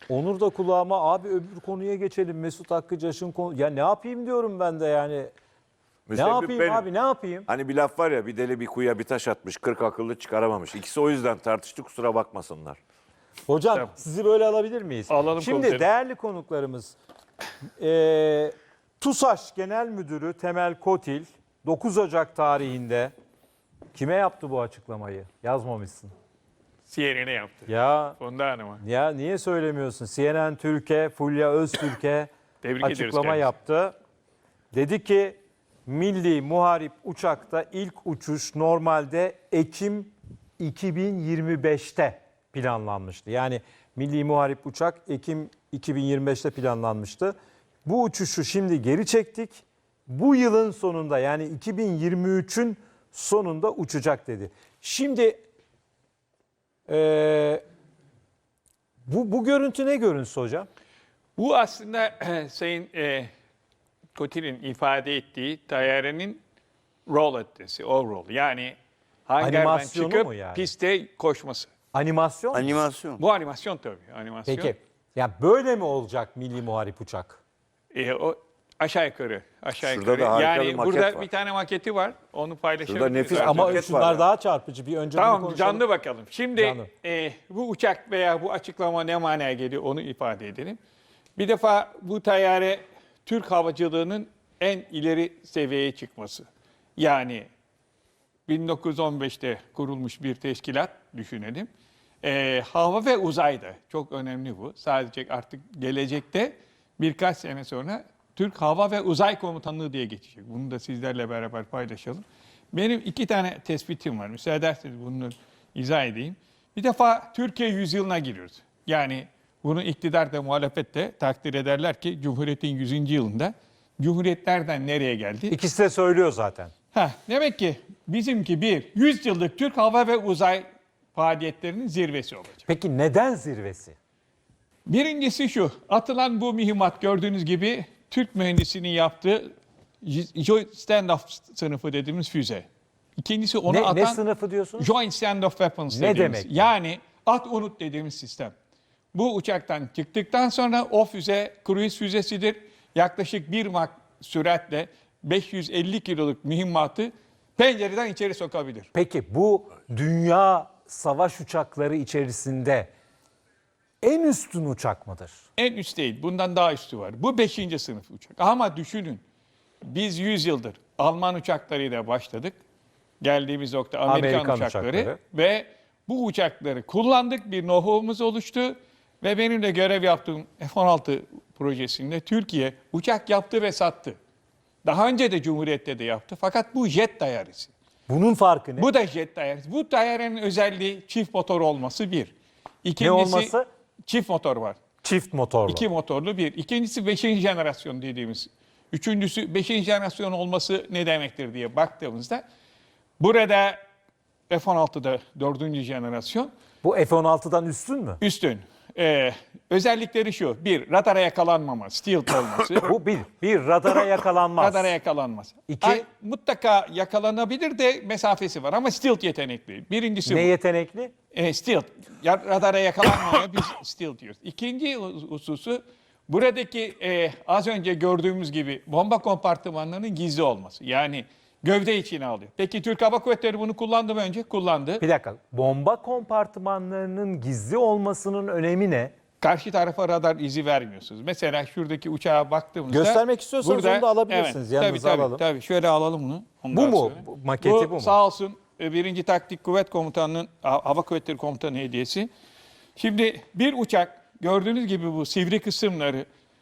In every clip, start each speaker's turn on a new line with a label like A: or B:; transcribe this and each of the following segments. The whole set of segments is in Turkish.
A: Onur da kulağıma abi öbür konuya geçelim. Mesut Hakkıcaş'ın konu. Ya ne yapayım diyorum ben de yani. Ne yapayım
B: benim.
A: abi ne yapayım?
B: Hani bir laf var ya, bir deli bir kuyuya bir taş atmış, 40 akıllı çıkaramamış. İkisi o yüzden tartıştı, kusura bakmasınlar.
A: Hocam
C: Tamam.
A: sizi böyle alabilir miyiz?
C: Alalım
A: Şimdi
C: komiserim.
A: değerli konuklarımız TUSAŞ Genel Müdürü Temel Kotil 9 Ocak tarihinde kime yaptı bu açıklamayı? Yazmamışsın.
C: CNN'e yaptı.
A: Ya
C: Funda Hanım'a.
A: ya niye söylemiyorsun? CNN Türkiye, Fulya Öztürk'e
C: Tebrik ediyoruz
A: açıklama
C: kendisini.
A: yaptı. Dedi ki Milli Muharip uçakta ilk uçuş normalde Ekim 2025'te planlanmıştı. Yani Milli Muharip uçak Ekim 2025'te planlanmıştı. Bu uçuşu şimdi geri çektik. Bu yılın sonunda yani 2023'ün sonunda uçacak dedi. Şimdi bu görüntü ne görüntüsü hocam?
C: Bu aslında Sayın Kotil'in ifade ettiği tayyarenin roll etmesi, overall. Yani hangardan
A: Animasyonu
C: çıkıp
A: mu yani?
C: piste koşması.
A: Animasyon mu?
D: Animasyon.
C: Bu animasyon tabii. Animasyon.
A: Peki. Ya böyle mi olacak Milli Muharip uçak?
C: O aşağı yukarı. Aşağı
B: Şurada
C: yukarı.
B: da harika
C: Yani
B: bir maket
C: burada
B: var.
C: bir tane maketi var. Onu paylaşabiliriz.
B: Şurada nefis
C: zaten.
A: Ama
B: maket var
A: şunlar
B: ya.
A: daha çarpıcı. Bir önce bunu
C: Tamam,
A: konuşalım.
C: canlı bakalım. Şimdi
A: Canlı.
C: bu uçak veya bu açıklama ne manaya geliyor onu ifade edelim. Bir defa bu tayyare Türk havacılığının en ileri seviyeye çıkması. Yani 1915'te kurulmuş bir teşkilat düşünelim. Hava ve uzayda çok önemli bu. Sadece artık gelecekte birkaç sene sonra Türk Hava ve Uzay Komutanlığı diye geçecek. Bunu da sizlerle beraber paylaşalım. Benim 2 tane tespitim var. Müsaade ederseniz bunu izah edeyim. Bir defa Türkiye yüzyılına giriyoruz. Yani bunu iktidar da muhalefet de takdir ederler ki Cumhuriyet'in 100. yılında Cumhuriyetlerden nereye geldi?
A: İkisi de söylüyor zaten.
C: Demek ki bizimki 100 yıllık Türk hava ve uzay faaliyetlerinin zirvesi olacak.
A: Peki neden zirvesi?
C: Birincisi şu, atılan bu mühimmat gördüğünüz gibi Türk mühendisinin yaptığı Joint Standoff sınıfı dediğimiz füze. İkincisi onu
A: Ne
C: atan
A: sınıfı diyorsunuz?
C: Joint Standoff Weapons
A: Ne
C: dediğimiz.
A: demek?
C: Yani at unut dediğimiz sistem. Bu uçaktan çıktıktan sonra o füze cruise füzesidir. Yaklaşık 1 Mach süratle 550 kiloluk mühimmatı pencereden içeri sokabilir.
A: Peki bu dünya savaş uçakları içerisinde en üstün uçak mıdır?
C: En üst değil, bundan daha üstü var. Bu 5. sınıf uçak. Ama düşünün, biz 100 yıldır Alman uçaklarıyla başladık. Geldiğimiz nokta Amerikan uçakları. Ve bu uçakları kullandık, bir know-how'umuz oluştu. Ve benim de görev yaptığım F-16 projesinde Türkiye uçak yaptı ve sattı. Daha önce de Cumhuriyet'te de yaptı. Fakat bu jet dairesi.
A: Bunun farkı ne?
C: Bu da jet dairesi. Bu dairenin özelliği çift motor olması bir. İkincisi,
A: olması?
C: Çift motor var.
A: Çift motorlu.
C: 2 motorlu bir. İkincisi 5. jenerasyon dediğimiz. Üçüncüsü 5. jenerasyon olması ne demektir diye baktığımızda burada F-16'da 4. jenerasyon
A: Bu F-16'dan üstün mü?
C: üstün. Özellikleri şu. Bir, radara yakalanmama, stealth olması.
A: Bu bir radara yakalanmaz.
C: Radara yakalanmaz.
A: İki-
C: Mutlaka yakalanabilir de mesafesi var ama stealth yetenekli. Birincisi
A: Ne
C: bu.
A: yetenekli?
C: Stealth. Radara yakalanmamaya biz stealth diyoruz. İkinci hususu buradaki az önce gördüğümüz gibi bomba kompartımanlarının gizli olması. Yani gövde içine alıyor. Peki Türk Hava Kuvvetleri bunu kullandı mı önce? Kullandı.
A: Bir dakika. Bomba kompartımanlarının gizli olmasının önemi ne?
C: Karşı tarafa radar izi vermiyorsunuz. Mesela şuradaki uçağa baktığımızda...
A: Göstermek istiyorsanız onu da alabilirsiniz. Yanınıza
C: tabii,
A: alalım.
C: Tabii. Şöyle alalım bunu.
A: Bu mu? Maketi bu mu?
C: Sağ olsun 1. Taktik Kuvvet Komutanı'nın Hava Kuvvetleri Komutanı hediyesi. Şimdi bir uçak gördüğünüz gibi bu sivri kısımları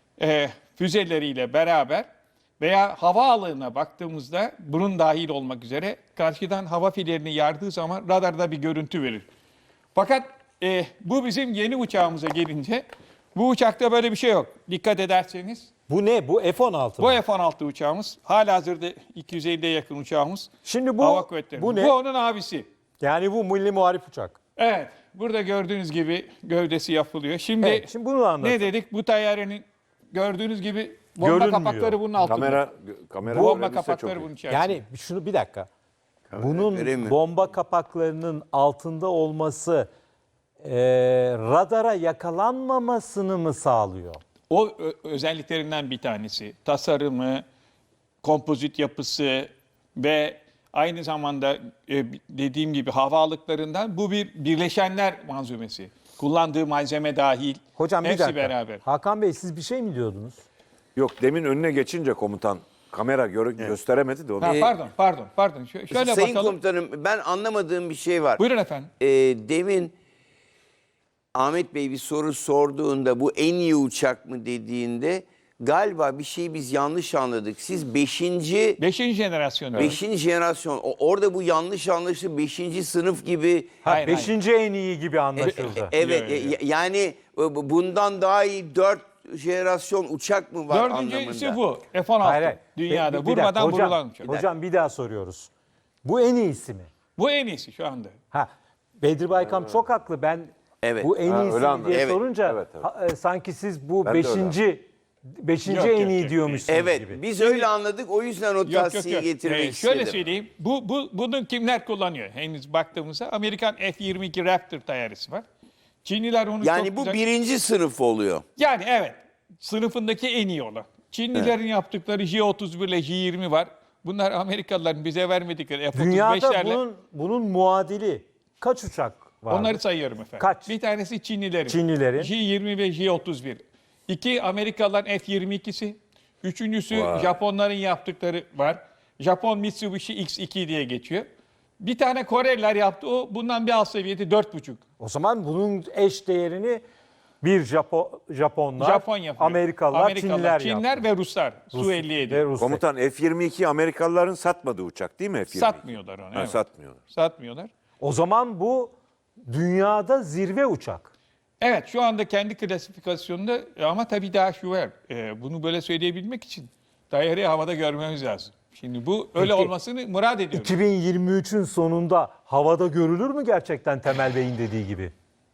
C: füzeleriyle beraber veya havaalanına baktığımızda bunun dahil olmak üzere karşıdan hava filerini yardığı zaman radarda bir görüntü verir. Fakat bu bizim yeni uçağımıza gelince bu uçakta böyle bir şey yok. Dikkat ederseniz
A: Bu ne? Bu F-16
C: bu
A: mı?
C: F-16 uçağımız halihazırda 250'ye yakın uçağımız.
A: Şimdi bu
C: Hava Kuvvetleri.
A: bu ne?
C: Bu onun abisi.
A: Yani bu Milli Muharip uçak.
C: Evet. Burada gördüğünüz gibi gövdesi yapılıyor. Şimdi,
A: Evet, şimdi bunu anlatın.
C: ne dedik? Bu tayyarenin gördüğünüz gibi bomba
A: Görünmüyor.
C: kapakları bunun altında.
B: Kamera
C: Bomba
B: verilirse
C: kapakları
B: çok iyi.
C: bunun içerisinde.
A: Yani şunu bir dakika.
D: vereyim
A: Bunun
D: mi?
A: bomba kapaklarının altında olması radara yakalanmamasını mı sağlıyor?
C: O özelliklerinden bir tanesi. Tasarımı, kompozit yapısı ve aynı zamanda dediğim gibi havalıklarından bu bir birleşenler malzemesi. Kullandığı malzeme dahil.
A: Hocam bir
C: hepsi
A: dakika.
C: beraber.
A: Hakan Bey siz bir şey mi diyordunuz?
B: Yok, demin önüne geçince komutan kamera gösteremedi de onu.
C: Pardon. Şöyle
D: Sayın
C: bakalım.
D: Komutanım, ben anlamadığım bir şey var.
C: Buyurun efendim.
D: Demin Ahmet Bey bir soru sorduğunda bu en iyi uçak mı dediğinde galiba bir şeyi biz yanlış anladık. Siz 5.
C: Beşinci jenerasyon.
D: jenerasyon orada bu yanlış anlaşıldı, 5. sınıf gibi.
C: Hayır,
A: Beşinci en iyi gibi anlaşıldı.
D: Evet,
C: Yok.
D: yani bundan daha iyi 4 jenerasyon uçak mı var
C: Dördüncüsü
D: anlamında?
C: bu. F-16.
A: Hayır.
C: Dünyada.
A: Bir dakika,
C: Vurmadan
A: hocam,
C: vurulan uçak.
A: Hocam bir daha soruyoruz. Bu en iyisi mi?
C: Bu en iyisi şu anda.
A: Bedri Baykam çok haklı. Ben
D: Evet.
A: bu en iyisi
B: öyle
A: mi
B: anladım.
A: diye
D: Evet.
A: sorunca
B: Evet.
A: sanki siz bu
B: Ben de öyle
A: beşinci
C: Yok,
A: en
C: yok,
A: iyi
C: yok.
A: diyormuşsunuz
D: Evet,
A: gibi.
D: biz öyle anladık. O yüzden o tavsiyeyi getirmek
C: Şöyle
D: istedim.
C: söyleyeyim. Bunu kimler kullanıyor? Henüz baktığımızda Amerikan F-22 Raptor tayyaresi var. Çinliler onu
D: Yani
C: çok
D: bu
C: güzel...
D: 1. sınıf oluyor.
C: Yani evet. Sınıfındaki en iyi olan. Çinlilerin yaptıkları J-31 ile J-20 var. Bunlar Amerikalıların bize vermedikleri
A: Dünyada
C: F-35'lerle.
A: bunun muadili kaç uçak var?
C: Onları sayıyorum efendim.
A: Kaç?
C: Bir tanesi Çinlilerin.
A: Çinlilerin.
C: J-20 ve J-31. 2 Amerikalıların F-22'si. Üçüncüsü
B: Vay.
C: Japonların yaptıkları var. Japon Mitsubishi X2 diye geçiyor. Bir tane Koreliler yaptı. O bundan bir alt seviyede 4,5.
A: O zaman bunun eş değerini bir Japonlar,
C: Japon yapıyor.
A: Amerikalılar, Çinliler
C: Çinler
A: yaptı.
C: ve Ruslar. Su-57.
A: Ve Rusya.
B: Komutan F-22 Amerikalıların satmadığı uçak değil mi F-22?
C: Satmıyorlar onu.
B: Ha,
C: Evet.
B: satmıyorlar.
C: Satmıyorlar.
A: O zaman bu dünyada zirve uçak.
C: Evet, şu anda kendi klasifikasyonunda ama tabii daha şu var. Bunu böyle söyleyebilmek için daireyi havada görmemiz lazım. Şimdi bu öyle
A: Peki,
C: olmasını murad ediyoruz.
A: 2023'ün sonunda havada görülür mü gerçekten Temel Bey'in dediği gibi?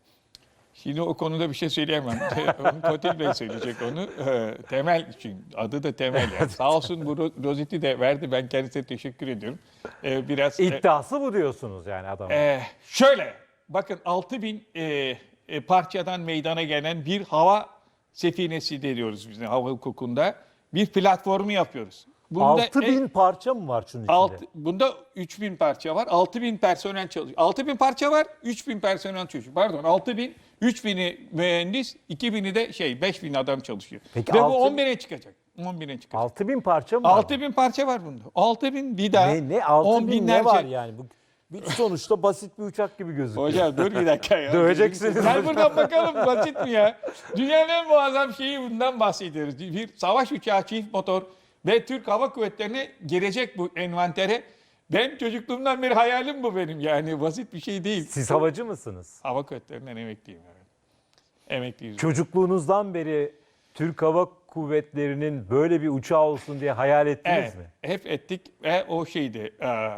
C: Şimdi o konuda bir şey söyleyemem. Onu Kotil Bey söyleyecek onu. Temel için. Adı da Temel. Yani. Sağ olsun bu rozeti de verdi. Ben kendisine teşekkür ediyorum. Biraz
A: İddiası bu diyorsunuz yani adam.
C: şöyle. Bakın 6000 parçadan meydana gelen bir hava sefinesi diyoruz biz hava hukukunda. Bir platformu yapıyoruz. Bunda
A: 6000 parça mı var şunun içinde?
C: Bunda 3000 parça var. 6000 personel çalışıyor. 6000 parça var. 3000 personel çalışıyor. Pardon 6000, 3000'i mühendis, 2000'i de 5000 adam çalışıyor.
A: Peki
C: Ve bu
A: 6000
C: 10.000'e çıkacak. 10.000'e çıkacak.
A: 6000 parça mı var?
C: 6000 parça var bunda. 6000 bir daha.
A: Ne
C: 10
A: 6000 ne var yani? Bu sonuçta basit bir uçak gibi gözüküyor.
C: Hocam dur bir dakika ya.
A: Döveceksiniz.
C: Gel buradan bakalım basit mi ya? Dünyanın en muazzam şeyi bundan bahsediyoruz. Bir savaş uçağı çift motor ve Türk Hava Kuvvetleri'ne girecek bu envantere. Ben çocukluğumdan beri hayalim bu benim yani basit bir şey değil.
A: Siz havacı mısınız?
C: Hava Kuvvetleri'nden emekliyim. Evet. Emekliyiz.
A: Çocukluğunuzdan beri Türk Hava Kuvvetleri'nin böyle bir uçağı olsun diye hayal ettiniz
C: Evet,
A: mi?
C: hep ettik ve o şeydi.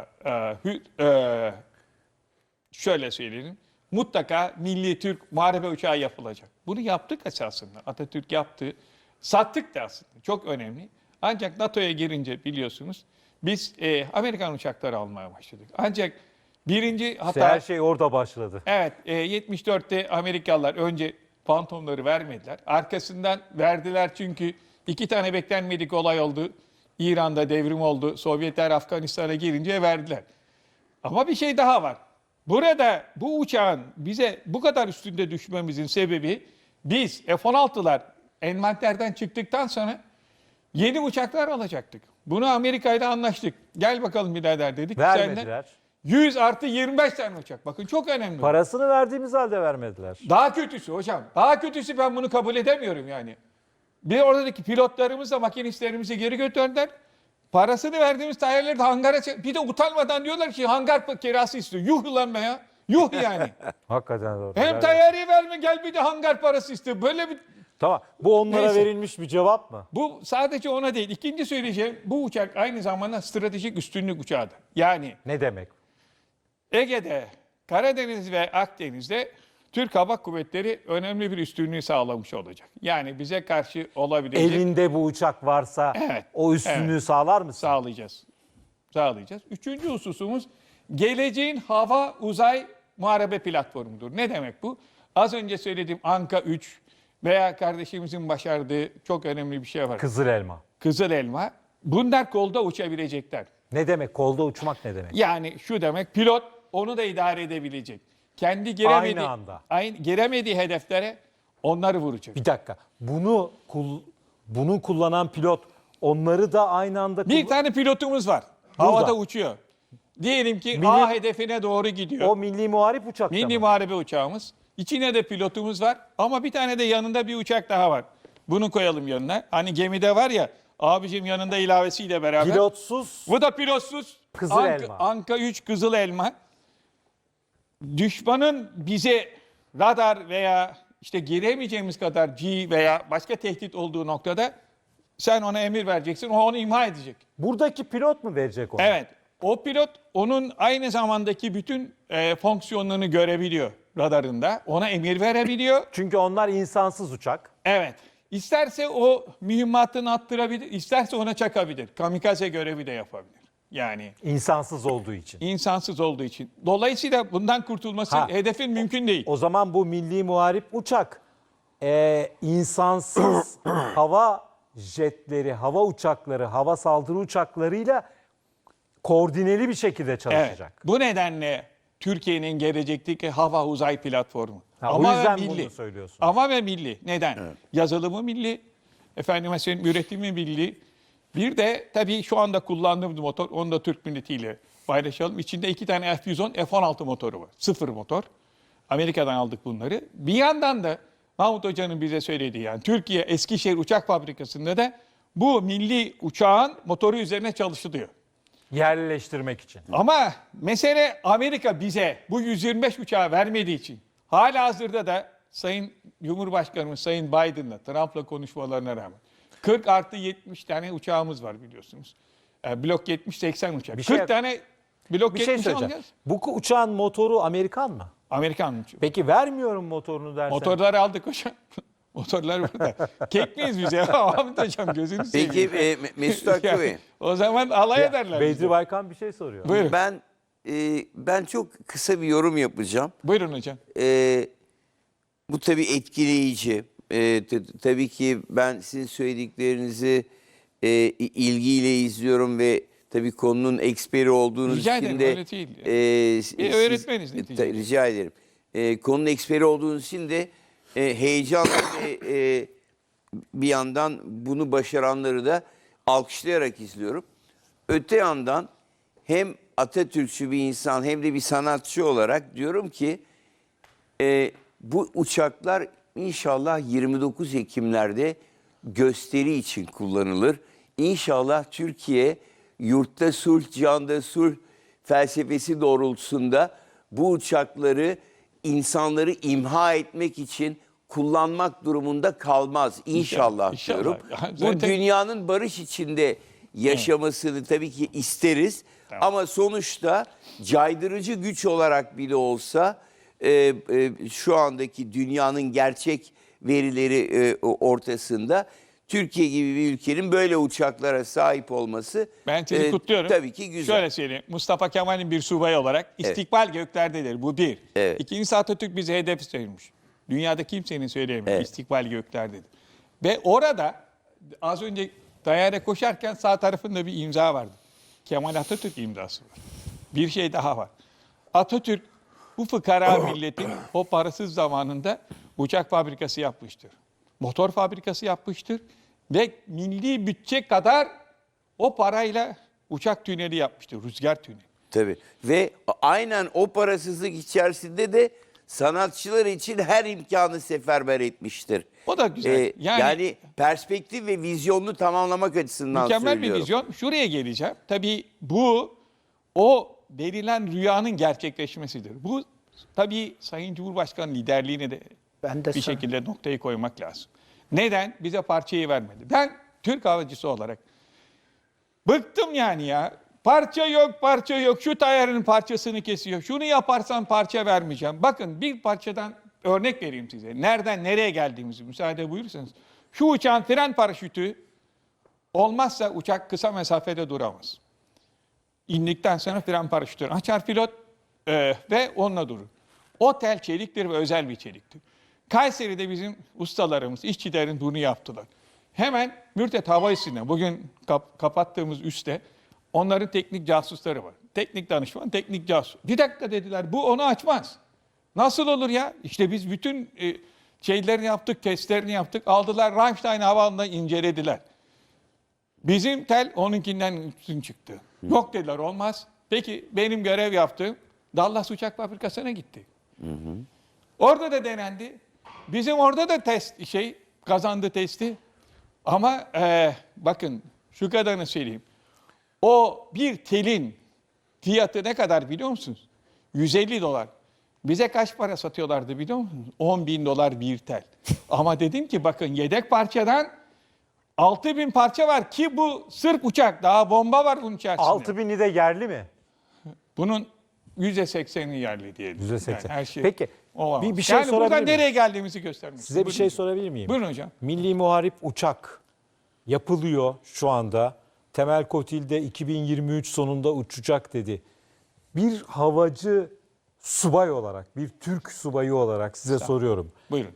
C: Şöyle söyleyelim. Mutlaka milli Türk muharebe uçağı yapılacak. Bunu yaptık esasında. Atatürk yaptı. Sattık da aslında. Çok önemli. Ancak NATO'ya girince biliyorsunuz biz Amerikan uçakları almaya başladık. Ancak birinci hata...
A: İşte her şey orada başladı.
C: Evet, 74'te Amerikalılar önce Phantom'ları vermediler. Arkasından verdiler çünkü 2 tane beklenmedik olay oldu. İran'da devrim oldu. Sovyetler Afganistan'a girince verdiler. Ama bir şey daha var. Burada bu uçağın bize bu kadar üstünde düşmemizin sebebi biz F-16'lar envanterden çıktıktan sonra yeni uçaklar alacaktık. Bunu Amerika'yla anlaştık. Gel bakalım birader dedik.
A: Vermediler.
C: 100 artı 25 tane uçak. Bakın çok önemli.
A: Parasını verdiğimiz halde vermediler.
C: Daha kötüsü hocam. Daha kötüsü ben bunu kabul edemiyorum yani. Bir oradaki pilotlarımızla makinistlerimizi geri götürdüler. Parasını verdiğimiz tayarları da hangara bir de utanmadan diyorlar ki hangar kirası istiyor. Yuh lan be ya. Yuh yani.
A: Hakikaten doğru.
C: Hem tayyarıyı verme gel bir de hangar parası istiyor. Böyle bir...
A: Tamam. Bu onlara
C: Neyse.
A: verilmiş bir cevap mı?
C: Bu sadece ona değil. İkinci söyleyeceğim bu uçak aynı zamanda stratejik üstünlük uçağıdır. Yani
A: Ne demek?
C: Ege'de, Karadeniz ve Akdeniz'de Türk Hava Kuvvetleri önemli bir üstünlüğü sağlamış olacak. Yani bize karşı olabilecek
A: Elinde bu uçak varsa
C: Evet,
A: o üstünlüğü
C: evet.
A: sağlar mısın?
C: sağlayacağız. Sağlayacağız. Üçüncü hususumuz geleceğin hava uzay muharebe platformudur. Ne demek bu? Az önce söylediğim Anka 3 veya kardeşimizin başardığı çok önemli bir şey var.
A: Kızıl elma.
C: Kızıl elma. Bunlar kolda uçabilecekler.
A: Ne demek? Kolda uçmak ne demek?
C: Yani şu demek, pilot onu da idare edebilecek. Kendi giremediği,
A: Aynı anda.
C: giremediği hedeflere onları vuracak.
A: Bir dakika. Bunu kullanan pilot onları da aynı anda
C: Bir tane pilotumuz var. Havada uçuyor. Diyelim ki A hedefine doğru gidiyor.
A: O milli muharip uçakta
C: Milli
A: mı?
C: muharebe uçağımız. İçine de pilotumuz var ama bir tane de yanında bir uçak daha var. Bunu koyalım yanına. Hani gemide var ya, abicim yanında ilavesiyle beraber.
A: Pilotsuz
C: Bu da pilotsuz.
A: Kızıl elma.
C: Anka 3 kızıl elma. Düşmanın bize radar veya işte giremeyeceğimiz kadar G veya başka tehdit olduğu noktada sen ona emir vereceksin. O onu imha edecek.
A: buradaki pilot mu verecek onu?
C: Evet. O pilot onun aynı zamandaki bütün fonksiyonlarını görebiliyor radarında. Ona emir verebiliyor.
A: Çünkü onlar insansız uçak.
C: Evet. İsterse o mühimmatını attırabilir, isterse ona çakabilir. Kamikaze görevi de yapabilir. Yani
A: İnsansız olduğu için.
C: insansız olduğu için. Dolayısıyla bundan kurtulması hedefin mümkün değil.
A: O zaman bu milli muharip uçak insansız hava jetleri, hava uçakları, hava saldırı uçaklarıyla koordineli bir şekilde
C: Evet.
A: çalışacak.
C: Bu nedenle Türkiye'nin gelecekteki hava uzay platformu.
A: O yüzden bunu söylüyorsun.
C: Ama ve milli. Neden? Yazılımı milli. Efendime söyleyeyim üretimi milli. Bir de tabii şu anda kullandığımız motor, onu da Türk milletiyle paylaşalım. İçinde 2 tane F-110, F-16 motoru var. 0 motor. Amerika'dan aldık bunları. Bir yandan da Mahmut Hoca'nın bize söylediği, yani Türkiye Eskişehir Uçak Fabrikası'nda da bu milli uçağın motoru üzerine çalışılıyor.
A: Yerleştirmek için.
C: Ama mesele Amerika bize bu 125 uçağı vermediği için halihazırda da Sayın Cumhurbaşkanımız Sayın Biden'la Trump'la konuşmalarına rağmen 40 artı 70 tane uçağımız var biliyorsunuz. Blok 70-80 uçak.
A: Bir şey-
C: 40 tane blok
A: Bir şey
C: 70
A: söyleyeceğim.
C: alacağız.
A: Bu uçağın motoru Amerikan mı?
C: Amerikan uçağı.
A: Peki vermiyorum motorunu dersen.
C: Motorları aldık hocam. Motorlar burada. Kek miyiz biz ya? Ahmet hocam gözünü seveyim.
D: Peki Mesut Hakkı Bey,
C: O zaman alay ederler
A: Bedri
C: bizi.
A: Baykan bir şey soruyor.
C: Buyurun.
D: ben çok kısa bir yorum yapacağım.
C: Buyurun hocam.
D: Bu tabii etkileyici. Tabii ki ben sizin söylediklerinizi ilgiyle izliyorum ve tabii konunun eksperi olduğunuz
C: Rica
D: için
C: ederim,
D: de
C: öyle değil. Bir öğretmeniz neticede.
D: rica ederim. Konunun eksperi olduğunuz için de heyecanla ve bir yandan bunu başaranları da alkışlayarak izliyorum. Öte yandan hem Atatürkçü bir insan hem de bir sanatçı olarak diyorum ki bu uçaklar inşallah 29 Ekimlerde gösteri için kullanılır. İnşallah Türkiye yurtta sulh, canda sulh felsefesi doğrultusunda bu uçakları insanları imha etmek için kullanmak durumunda kalmaz. İnşallah,
C: İnşallah.
D: diyorum. Bu
C: Zaten-
D: dünyanın barış içinde yaşamasını tabii ki isteriz. Ama sonuçta caydırıcı güç olarak bile olsa şu andaki dünyanın gerçek verileri ortasında Türkiye gibi bir ülkenin böyle uçaklara sahip olması
C: Ben sizi kutluyorum.
D: tabii ki güzel.
C: Şöyle söyleyeyim. Mustafa Kemal'in bir subayı olarak istikbal göklerdedir. Bu bir.
D: Evet.
C: İkincisi Atatürk bize hedef sayılmış. Dünyada kimsenin söyleyemiyor.
D: Evet.
C: İstikbal göklerdedir. Ve orada az önce daire koşarken sağ tarafında bir imza vardı. Kemal Atatürk imzası var. Bir şey daha var. Atatürk bu fıkara milletin o parasız zamanında uçak fabrikası yapmıştır. Motor fabrikası yapmıştır. Ve milli bütçe kadar o parayla uçak tüneli yapmıştır. Rüzgar tüneli.
D: Tabii. Ve aynen o parasızlık içerisinde de sanatçılar için her imkanı seferber etmiştir.
C: O da güzel.
D: Yani perspektif ve vizyonunu tamamlamak açısından
C: Mükemmel
D: söylüyorum.
C: bir vizyon. Şuraya geleceğim. Tabii bu o verilen rüyanın gerçekleşmesidir. Bu tabii Sayın Cumhurbaşkanı liderliğine de bir şekilde noktayı koymak lazım. Neden? Bize parçayı vermedi. Ben Türk havacısı olarak bıktım yani ya. Parça yok, parça yok. Şu tayarın parçasını kesiyor. Şunu yaparsan parça vermeyeceğim. Bakın bir parçadan örnek vereyim size. Nereden nereye geldiğimizi müsaade buyurursanız. Şu uçağın fren paraşütü olmazsa uçak kısa mesafede duramaz. İndikten sonra fren paraşütünü açar pilot ve onunla durur. O tel çeliktir ve özel bir çeliktir. Kayseri'de bizim ustalarımız, işçilerin bunu yaptılar. Hemen Mürtet Hava Üssü'nde, bugün kapattığımız üste onların teknik casusları var. Teknik danışman, teknik casus. Bir dakika dediler, bu onu açmaz. Nasıl olur ya? İşte biz bütün şeylerini yaptık, testlerini yaptık. Aldılar Ramstein Havaalanı'nda incelediler. Bizim tel onunkinden üstün çıktı. Yok dediler, olmaz. Peki benim görev yaptığım Dallas Uçak Fabrikası'na gitti. Orada da denendi. Bizim orada da kazandı testi. Ama bakın şu kadarını söyleyeyim. O bir telin fiyatı ne kadar biliyor musunuz? 150 dolar. Bize kaç para satıyorlardı biliyor musunuz? 10 bin dolar bir tel. Ama dedim ki bakın yedek parçadan 6.000 parça var ki bu sırf uçak. Daha bomba var bunun içerisinde.
A: 6000'i de yerli mi?
C: Bunun %80'i yerli diyelim.
A: %80.
C: Yani her şey
A: Peki,
C: olamaz.
A: bir şey
C: yani
A: sorabilir
C: buradan
A: miyim?
C: nereye geldiğimizi göstermek
A: Size bir
C: Buyurun
A: şey
C: hocam.
A: sorabilir miyim?
C: Buyurun hocam.
A: Milli Muharip Uçak yapılıyor şu anda. Temel Kotil'de 2023 sonunda uçacak dedi. Bir havacı subay olarak, bir Türk subayı olarak size soruyorum.
C: Buyurun.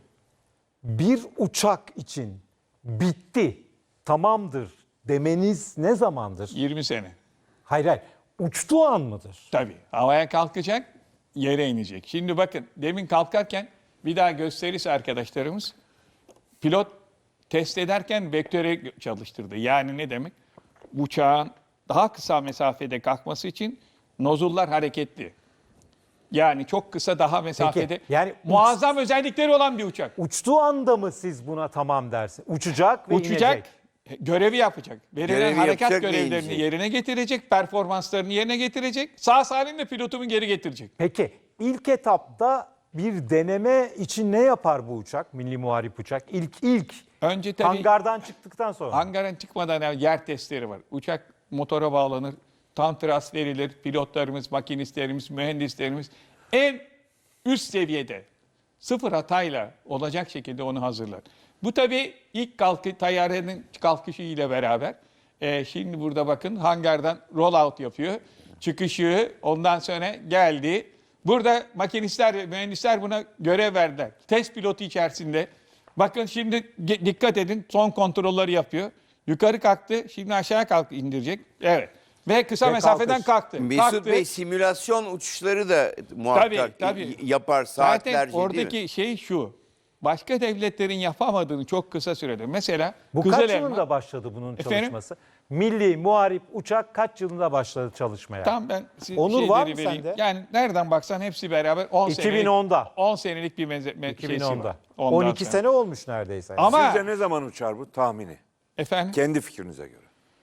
A: Bir uçak için bitti, tamamdır demeniz ne zamandır?
C: 20 sene.
A: Hayır hayır, uçtuğu an mıdır?
C: Tabii. Havaya kalkacak, yere inecek. Şimdi bakın demin kalkarken bir daha gösterirse arkadaşlarımız pilot test ederken vektöre çalıştırdı. Yani ne demek? Uçağın daha kısa mesafede kalkması için nozullar hareketli. Yani çok kısa daha mesafede.
A: yani
C: muazzam özellikleri olan bir uçak.
A: Uçtuğu anda mı siz buna tamam dersin? Uçacak ve
C: Uçacak,
A: inecek.
C: görevi yapacak. Verilen
D: Görevi
C: harekat
D: yapacak ve
C: görevlerini
D: inecek.
C: yerine getirecek, performanslarını yerine getirecek. Sağ salim de pilotumu geri getirecek.
A: Peki ilk etapta bir deneme için ne yapar bu uçak? Milli Muharip Uçak. İlk
C: Önce tabii
A: hangardan çıktıktan sonra.
C: hangarın çıkmadan evvel yer testleri var. Uçak motora bağlanır, tam tras verilir. Pilotlarımız, makinistlerimiz, mühendislerimiz en üst seviyede sıfır hatayla olacak şekilde onu hazırlar. Bu tabii ilk tayyarenin kalkışı ile beraber şimdi burada bakın hangardan roll out yapıyor. Çıkışı ondan sonra geldi. Burada makinistler ve mühendisler buna görev verdiler. Test pilotu içerisinde. Bakın şimdi dikkat edin son kontrolleri yapıyor. Yukarı kalktı şimdi aşağı indirecek. Evet. Ve kısa
A: Ve
C: mesafeden
A: kalkış.
C: kalktı.
D: Mesut
C: Kalktı.
D: Bey simülasyon uçuşları da muhakkak
C: Tabii.
D: yapar
C: Zaten
D: saatlerce değil mi?
C: oradaki şey şu. Başka devletlerin yapamadığını çok kısa sürede. Mesela
A: Bu
C: Kızıl
A: kaç
C: Elma-
A: yılında başladı bunun
C: Efendim?
A: çalışması? Milli Muharip Uçak kaç yılında başladı çalışmaya?
C: Tam ben
A: Onur var mı
C: şeyleri vereyim.
A: sende?
C: Yani nereden baksan hepsi beraber 10 senelik.
A: 2010'da.
C: 10 senelik bir şeysi
A: 2010'da.
C: var. Ondan
A: 12
C: sonra.
A: sene olmuş neredeyse.
C: Ama
B: Sizce ne zaman uçar bu tahmini?
C: efendim
B: Kendi fikrinize göre.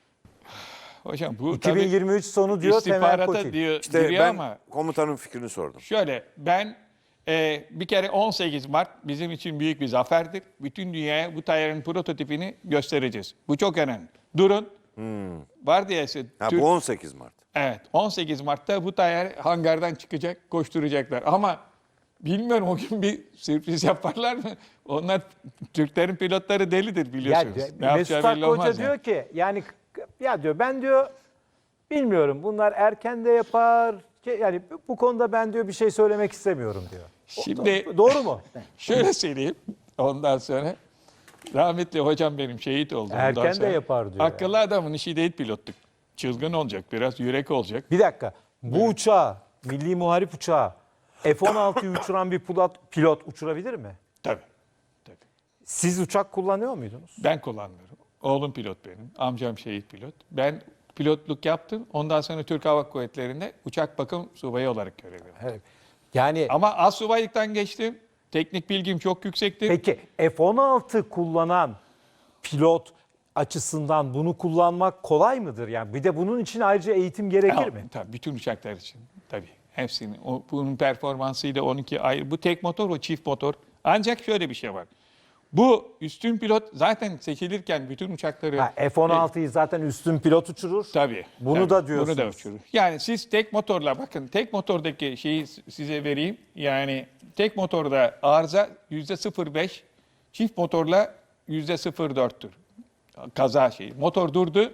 C: hocam bu
A: 2023 sonu
C: tabii
A: diyor Temel
C: istihbarata
A: Kotil.
C: diyor,
B: İşte
C: giriyor
B: ben
C: ama
B: komutanın fikrini sordum.
C: şöyle ben bir kere 18 Mart bizim için büyük bir zaferdir. Bütün dünyaya bu tayyarın prototipini göstereceğiz. Bu çok önemli. Durun. Var diye
B: Ha,
C: Türk-
B: bu 18 Mart.
C: Evet 18 Mart'ta bu tayyar hangardan çıkacak, koşturacaklar. Ama bilmiyorum o gün bir sürpriz yaparlar mı? Onlar Türklerin pilotları delidir
A: Ya,
C: biliyorsunuz. Ne
A: Mesut
C: yapacağı belli
A: Hakkı Hoca
C: olmaz
A: diyor
C: yani.
A: ki yani ya diyor ben diyor bilmiyorum bunlar erken de yapar. Yani bu konuda ben diyor bir şey söylemek istemiyorum diyor.
C: Şimdi
A: Doğru mu?
C: şöyle söyleyeyim ondan sonra. Rahmetli hocam benim şehit oldu. ondan
A: Erken de
C: sonra.
A: yapar diyor
C: Akıllı adamın işi değil pilotluk. Çılgın olacak biraz, yürek olacak.
A: Bir dakika. Bu uçağı, Milli Muharip Uçağı F-16'yı uçuran bir pilot uçurabilir mi?
C: Tabii. Tabii.
A: Siz uçak kullanıyor muydunuz?
C: Ben kullanmıyorum. Oğlum pilot benim. Amcam şehit pilot. Ben pilotluk yaptım. Ondan sonra Türk Hava Kuvvetleri'nde uçak bakım subayı olarak görev yaptım.
A: Evet. Yani
C: Ama astsubaylıktan geçtim. Teknik bilgim çok yüksektir.
A: peki F-16 kullanan pilot açısından bunu kullanmak kolay mıdır? Yani bir de bunun için ayrıca eğitim gerekir mi?
C: Tabii bütün uçaklar için. Tabii. Hepsinin. Bunun performansıyla 12 ayrı. Bu tek motor, o çift motor. Ancak şöyle bir şey var. Bu üstün pilot zaten seçilirken bütün uçakları...
A: Ha, F-16'yı zaten üstün pilot uçurur.
C: Tabii.
A: Bunu
C: tabii,
A: da diyorsunuz.
C: Bunu da uçurur. Yani siz tek motorla bakın tek motordaki şeyi size vereyim. Yani tek motorda arıza %0.5, çift motorla %0.4'tür. Kaza şeyi. Motor durdu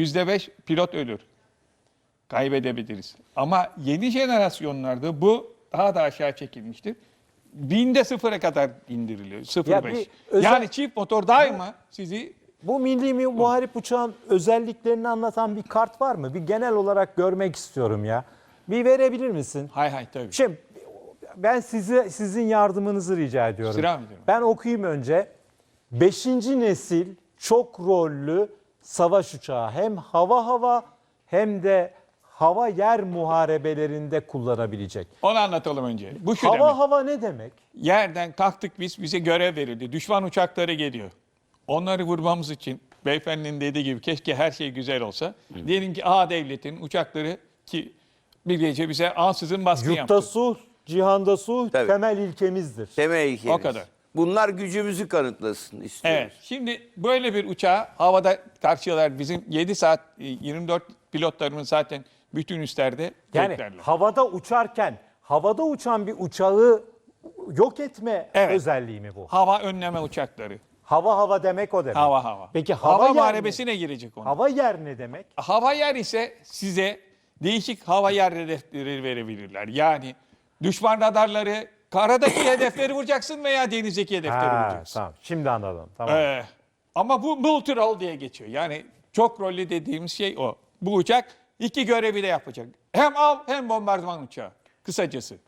C: %5 pilot ölür. Kaybedebiliriz. Ama yeni jenerasyonlarda bu daha da aşağı çekilmiştir. Binde sıfıra kadar indiriliyor.
A: Ya
C: 0.5.
A: bir özel-
C: Yani çift motor daima sizi
A: Bu milli muharip uçağın özelliklerini anlatan bir kart var mı? Bir genel olarak görmek istiyorum ya. Bir verebilir misin?
C: hay tabii.
A: Şimdi ben sizin yardımınızı rica ediyorum.
C: İstirham ediyorum.
A: Ben okuyayım önce. 5. nesil çok rollü savaş uçağı. Hem hava hem de hava yer muharebelerinde kullanabilecek.
C: Onu anlatalım önce. Bu şu demek.
A: Hava ne demek?
C: Yerden kalktık biz, bize görev verildi. Düşman uçakları geliyor. Onları vurmamız için beyefendinin dediği gibi keşke her şey güzel olsa. Diyelim ki A devletin uçakları ki bir gece bize ansızın baskın
A: Yurtta
C: yaptı.
A: sulh, cihanda sulh
D: Tabii.
A: temel ilkemizdir.
D: Temel ilkemiz.
C: O kadar.
D: Bunlar gücümüzü kanıtlasın istiyoruz.
C: Evet. Şimdi böyle bir uçağı havada karşılar. Bizim 7 saat 24 pilotlarımız zaten bütün üstlerde
A: Yani
C: beklerler.
A: havada uçan bir uçağı yok etme
C: Evet.
A: özelliği mi bu?
C: Hava önleme uçakları.
A: Hava demek o demek.
C: Hava.
A: Peki
C: hava
A: yer ne?
C: muharebesine girecek onu.
A: Hava yer ne demek?
C: Hava yer ise size değişik hava yer hedefleri verebilirler. Yani düşman radarları, karadaki hedefleri vuracaksın veya denizdeki hedefleri vuracaksın.
A: Tamam. Şimdi anladım. Tamam.
C: Ama bu multi-role diye geçiyor. Yani çok rollü dediğimiz şey o. Bu uçak iki görevi de yapacak. Hem av hem bombardıman uçağı. Kısacası.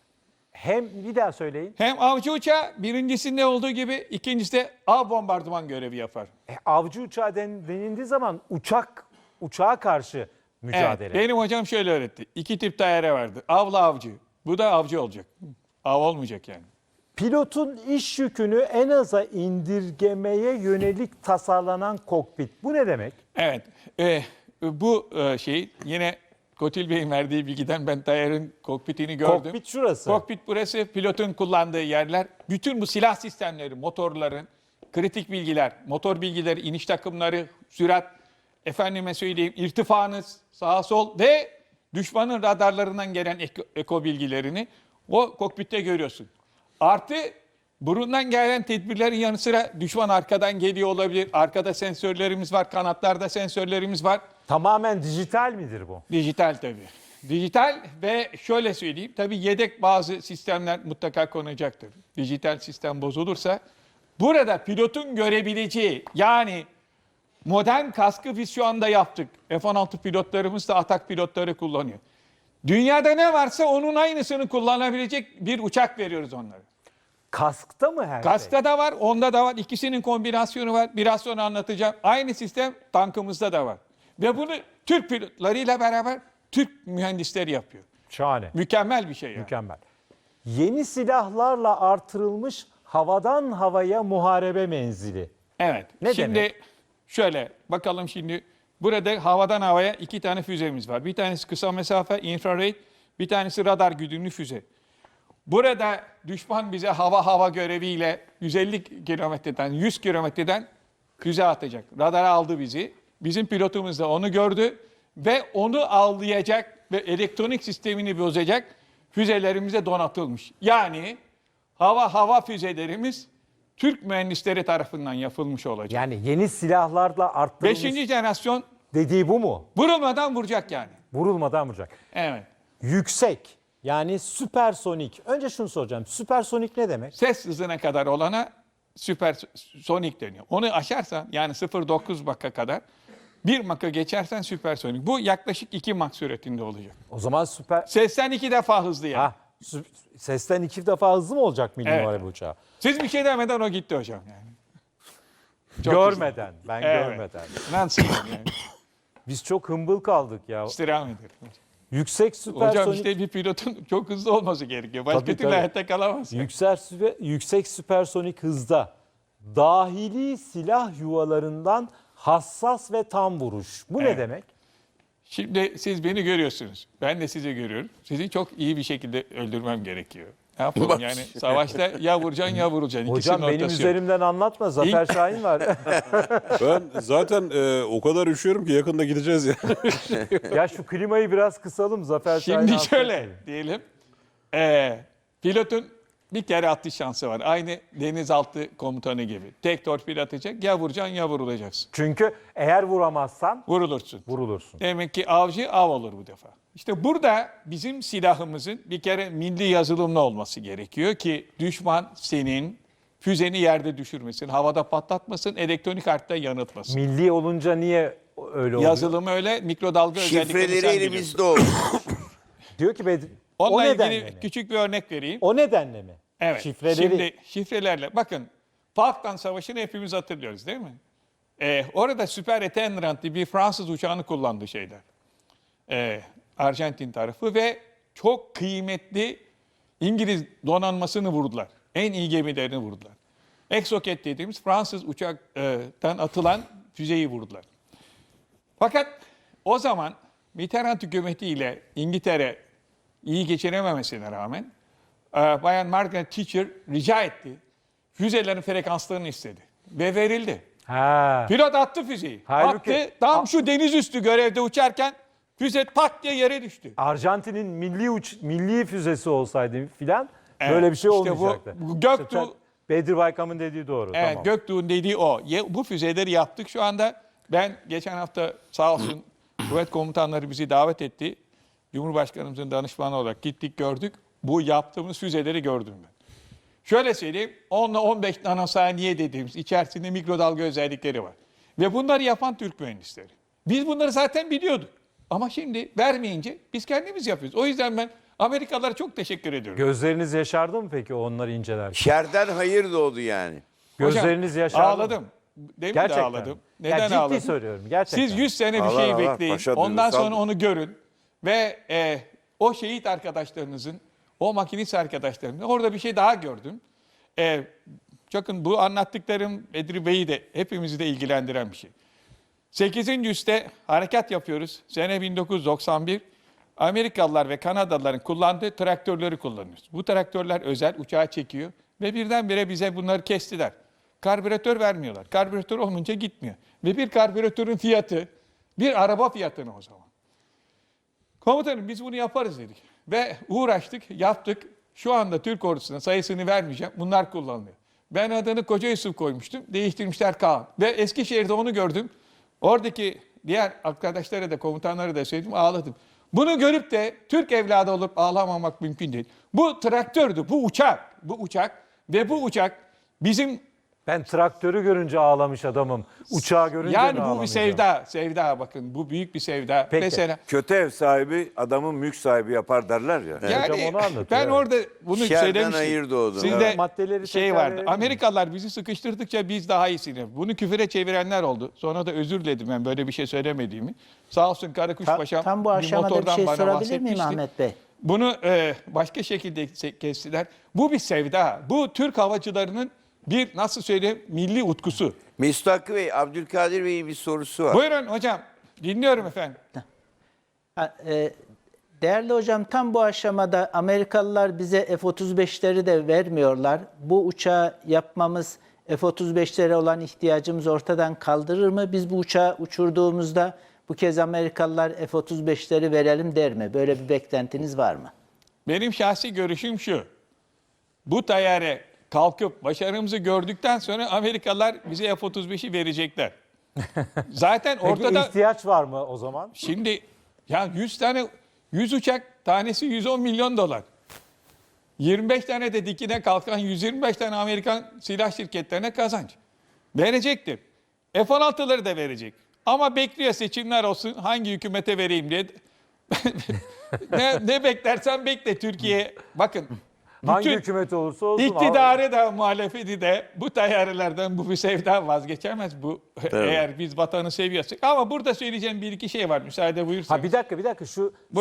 A: Hem bir daha söyleyin.
C: Hem avcı uçağı birincisinde olduğu gibi ikincisi de av bombardıman görevi yapar.
A: Avcı uçağı denildiği zaman uçağa karşı mücadele.
C: Evet, benim hocam şöyle öğretti. İki tip daire vardı. Avla avcı. Bu da avcı olacak. Av olmayacak yani.
A: Pilotun iş yükünü en aza indirgemeye yönelik tasarlanan kokpit. Bu ne demek?
C: Evet. Bu şey yine Kotil Bey'in verdiği bilgiden ben Tayyar'ın kokpitini gördüm.
A: Kokpit şurası.
C: Kokpit burası, pilotun kullandığı yerler. Bütün bu silah sistemleri, motorların, kritik bilgiler, motor bilgileri, iniş takımları, sürat, efendime söyleyeyim irtifanız, sağa sol ve düşmanın radarlarından gelen eko bilgilerini o kokpitte görüyorsun. Artı burundan gelen tedbirlerin yanı sıra düşman arkadan geliyor olabilir. Arkada sensörlerimiz var, kanatlarda sensörlerimiz var.
A: Tamamen dijital midir bu?
C: Dijital tabii. Dijital ve şöyle söyleyeyim. Tabii yedek bazı sistemler mutlaka konacaktır. Dijital sistem bozulursa burada pilotun görebileceği yani modern kaskı biz şu anda yaptık. F-16 pilotlarımız da atak pilotları kullanıyor. Dünyada ne varsa onun aynısını kullanabilecek bir uçak veriyoruz onlara.
A: Kaskta mı her şey?
C: Kaskta da var, onda da var. İkisinin kombinasyonu var. Biraz sonra anlatacağım. Aynı sistem tankımızda da var. Ve bunu Türk pilotlarıyla beraber Türk mühendisleri yapıyor.
A: Şahane.
C: Mükemmel bir şey yani.
A: Mükemmel. Yeni silahlarla artırılmış havadan havaya muharebe menzili.
C: Evet.
A: Ne
C: şimdi
A: demek?
C: şöyle bakalım şimdi. Burada havadan havaya 2 tane füzemiz var. Bir tanesi kısa mesafe infrared, bir tanesi radar güdümlü füze. Burada düşman bize hava göreviyle 150 kilometreden 100 kilometreden füze atacak. Radara aldı bizi. Bizim pilotumuz da onu gördü ve onu avlayacak ve elektronik sistemini bozacak füzelerimize donatılmış. Yani hava füzelerimiz Türk mühendisleri tarafından yapılmış olacak.
A: Yani yeni silahlarla arttırılmış
C: 5. jenerasyon
A: dediği bu mu?
C: vurulmadan vuracak yani.
A: Vurulmadan vuracak.
C: Evet.
A: Yüksek yani süpersonik. Önce şunu soracağım. Süpersonik ne demek?
C: Ses hızına kadar olana süpersonik deniyor. Onu aşarsan yani 0.9 Mach'a kadar 1 Mach'a geçersen süpersonik. Bu yaklaşık 2 Mach süratinde olacak.
A: O zaman süper...
C: Sesten 2 defa hızlı yani.
A: Sesten 2 defa hızlı mı olacak milli
C: Evet.
A: muharebe uçağı?
C: Siz bir şey demeden o gitti hocam yani. Çok
A: Görmeden. Ben
C: Evet.
A: görmeden.
C: Nasıl yani?
A: Biz çok hımbıl kaldık ya.
C: İstirham ederim.
A: Yüksek süpersonik...
C: Hocam işte bir pilotun çok hızlı olması gerekiyor. Başka
A: Tabii,
C: türlü
A: tabii.
C: hayatta kalamaz.
A: Yüksek süpersonik hızda dahili silah yuvalarından hassas ve tam vuruş. Bu ne
C: Evet.
A: demek?
C: Şimdi siz beni görüyorsunuz. Ben de sizi görüyorum. Sizi çok iyi bir şekilde öldürmem gerekiyor. Ne yapalım
D: Bak.
C: yani savaşta ya vuracaksın ya vuracaksın.
A: Hocam
C: İkisinin
A: benim
C: ortası yok.
A: üzerimden anlatma. Zafer Şahin var.
E: Ben zaten o kadar üşüyorum ki yakında gideceğiz ya.
A: Ya şu klimayı biraz kısalım. Zafer Şahin
C: Şimdi
A: hasta
C: şöyle
A: etmeyin.
C: diyelim. Pilotun bir kere atış şansı var. Aynı denizaltı komutanı gibi. Tek torpil atacak, ya vuracaksın ya vurulacaksın.
A: Çünkü eğer vuramazsan
C: Vurulursun.
A: vurulursun.
C: Demek ki avcı av olur bu defa. İşte burada bizim silahımızın bir kere milli yazılımlı olması gerekiyor ki düşman senin füzeni yerde düşürmesin, havada patlatmasın, elektronik harpte yanıltmasın.
A: Milli olunca niye öyle oluyor?
C: Yazılımı öyle, mikrodalga özellikleri
D: Şifreleri
C: sen biliyorsun.
D: elimizde oldu.
A: Diyor ki
C: Onunla
A: o
C: ilgili
A: nedenle mi?
C: küçük bir örnek vereyim.
A: O nedenle mi?
C: Evet.
A: Şifreleri.
C: Şimdi şifrelerle bakın Falkland Savaşı'nı hepimiz hatırlıyoruz değil mi? Orada Super Étendard diye bir Fransız uçağını kullandı şeyler. Arjantin tarafı ve çok kıymetli İngiliz donanmasını vurdular. En iyi gemilerini vurdular. Exocet dediğimiz Fransız uçaktan atılan füzeyi vurdular. Fakat o zaman Mitterrand hükümetiyle İngiltere iyi geçirememesine rağmen Bayan Margaret Thatcher rica etti. Füzelerin frekanslarını istedi. Ve verildi.
A: Ha.
C: Pilot attı füzeyi.
A: Halbuki-
C: attı. Tam şu deniz üstü görevde uçarken füze pat diye yere düştü.
A: Arjantin'in milli füzesi olsaydı filan
C: Evet,
A: böyle bir şey
C: işte bu-
A: olmayacaktı.
C: bu Göktuğ-
A: Bedir Baykam'ın dediği doğru.
C: Evet,
A: Tamam.
C: Göktuğ'un dediği o. Bu füzeleri yaptık. Şu anda ben geçen hafta sağ olsun kuvvet komutanları bizi davet etti. Cumhurbaşkanımızın danışmanı olarak gittik gördük. Bu yaptığımız füzeleri gördüm ben. Şöyle söyleyeyim 10 ile 15 nanosaniye dediğimiz içerisinde mikrodalga özellikleri var. Ve bunları yapan Türk mühendisleri. Biz bunları zaten biliyorduk. Ama şimdi vermeyince biz kendimiz yapıyoruz. O yüzden ben Amerikalılara çok teşekkür ediyorum.
A: Gözleriniz yaşardı mı peki onları incelerken?
D: Şerden hayır doğdu yani.
A: Gözleriniz
C: Hocam,
A: yaşardı mı?
C: ağladım. Demin
A: Gerçekten.
C: de ağladım.
A: Ya
C: Neden
A: ciddi
C: ağladım?
A: söylüyorum gerçekten.
C: Siz 100 sene bir
B: Allah
C: şey
B: Allah,
C: bekleyin.
B: paşa
C: Ondan
B: duygusal.
C: sonra onu görün. Ve o şehit arkadaşlarınızın, o makinist arkadaşlarınızın orada bir şey daha gördüm. Bakın bu anlattıklarım Bedri Bey'i de hepimizi de ilgilendiren bir şey. 8. üste harekat yapıyoruz. Sene 1991. Amerikalılar ve Kanadalıların kullandığı traktörleri kullanıyoruz. Bu traktörler özel, uçağa çekiyor ve birdenbire bize bunları kestiler. Karbüratör vermiyorlar. Karbüratör olmayınca gitmiyor. Ve bir karbüratörün fiyatı bir araba fiyatına o zaman. Komutanım biz bunu yaparız dedik. Ve uğraştık, yaptık. Şu anda Türk ordusuna sayısını vermeyeceğim. Bunlar kullanılıyor. Ben adını Koca Yusuf koymuştum. Değiştirmişler Kaan. Ve Eskişehir'de onu gördüm. Oradaki diğer arkadaşlara da komutanlara da söyledim ağladım. Bunu görüp de Türk evladı olup ağlamamak mümkün değil. Bu traktördü, bu uçak ve bu uçak bizim
A: Ben traktörü görünce ağlamış adamım. Uçağı görünce mi
C: yani bu bir
A: ağlamayacağım?
C: sevda bakın bu büyük bir sevda.
A: Peki.
C: Mesela
B: Kötü ev sahibi adamın mülk sahibi yapar derler ya.
C: yani
A: Hocam onu anlatıyor,
C: ben
A: evet.
C: orada bunu
D: Şerden
C: söylemiştim.
D: hayır doğdu.
C: Sizde
A: Maddeleri
C: şey
A: tekrar
C: vardı.
A: verelim mi?
C: Amerikalılar bizi sıkıştırdıkça biz daha iyisini. Bunu küfüre çevirenler oldu. Sonra da özür diledim ben böyle bir şey söylemediğimi. Sağ olsun Karakuş Paşam
F: Tam bu
C: bir
F: aşamada bir
C: motordan
F: şey
C: bana
F: sorabilir miyim
C: bahsetmişti.
F: Ahmet Bey?
C: Bunu başka şekilde kestiler. Bu bir sevda. Bu Türk havacılarının bir nasıl söyleyeyim milli utkusu.
D: Mesut Hakkı Bey, Abdülkadir Bey'in bir sorusu var.
C: Buyurun hocam. Dinliyorum efendim.
F: Değerli hocam tam bu aşamada Amerikalılar bize F-35'leri de vermiyorlar. Bu uçağı yapmamız F-35'lere olan ihtiyacımız ortadan kaldırır mı? Biz bu uçağı uçurduğumuzda bu kez Amerikalılar F-35'leri verelim der mi? Böyle bir beklentiniz var mı?
C: Benim şahsi görüşüm şu. Bu tayyare kalkıp başarımızı gördükten sonra Amerikalılar bize F-35'i verecekler. Zaten
A: Peki
C: ortada
A: ihtiyaç var mı o zaman?
C: şimdi ya 100 uçak tanesi 110 milyon dolar. 25 tane de dikine kalkan 125 tane Amerikan silah şirketlerine kazanç. Verecektir. F-16'ları da verecek. Ama bekliyor seçimler olsun hangi hükümete vereyim diye. ne beklersen bekle Türkiye. Bakın.
A: Hangi
C: bütün
A: hükümet olursa olsun.
C: İktidarı da muhalefeti de bu tayyarelerden bu bir sevda vazgeçemez. Bu eğer biz vatanı seviyorsak. Ama burada söyleyeceğim bir iki şey var müsaade buyursanız.
A: Ha bir dakika şu